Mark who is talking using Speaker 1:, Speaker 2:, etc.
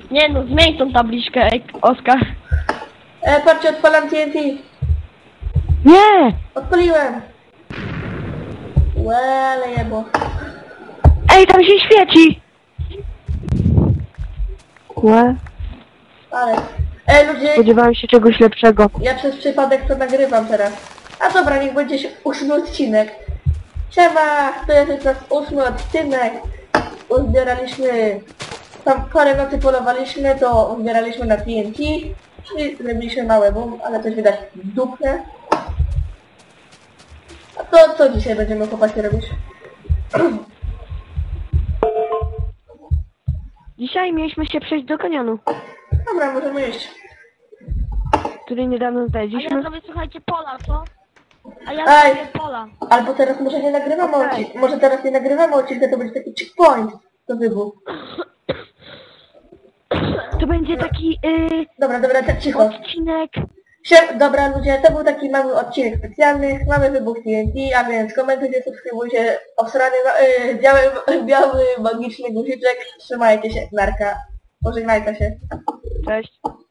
Speaker 1: Nie no, zmień tą tabliczkę, Oskar.
Speaker 2: Patrzcie, odpalam TNT.
Speaker 1: Nie!
Speaker 2: Odpaliłem. Łele jebo.
Speaker 1: Ej, tam się świeci! Łe,
Speaker 2: Ale. Ludzie,
Speaker 1: spodziewałem się czegoś lepszego.
Speaker 2: ja przez przypadek to nagrywam teraz. A dobra, niech będzie 8 odcinek. Siema, to jest nasz 8 odcinek. Uzbieraliśmy... Tam parę nocy polowaliśmy, to uzbieraliśmy na TNT. Czyli zrobiliśmy małe boom, ale coś widać dupne. A to co dzisiaj będziemy chłopaki robić?
Speaker 1: Dzisiaj mieliśmy się przejść do kanionu,
Speaker 2: Dobra, możemy iść.
Speaker 1: który niedawno
Speaker 3: A ja
Speaker 1: znaleźliśmy.
Speaker 3: zrobię, słuchajcie, pola, co? A ja
Speaker 2: Ej!
Speaker 3: zrobię pola.
Speaker 2: Albo teraz może nie nagrywamy odcinka. Może teraz nie nagrywamy odcinka, to będzie taki checkpoint do wybuchu.
Speaker 1: To będzie taki
Speaker 2: Dobra, tak cicho.
Speaker 1: odcinek.
Speaker 2: Dobra ludzie, to był taki mały odcinek specjalny. Mamy wybuch TNT, a więc komentujcie, subskrybujcie, obsrany, biały magiczny guziczek. Trzymajcie się, narka. Pożegnajcie się.
Speaker 1: Cześć.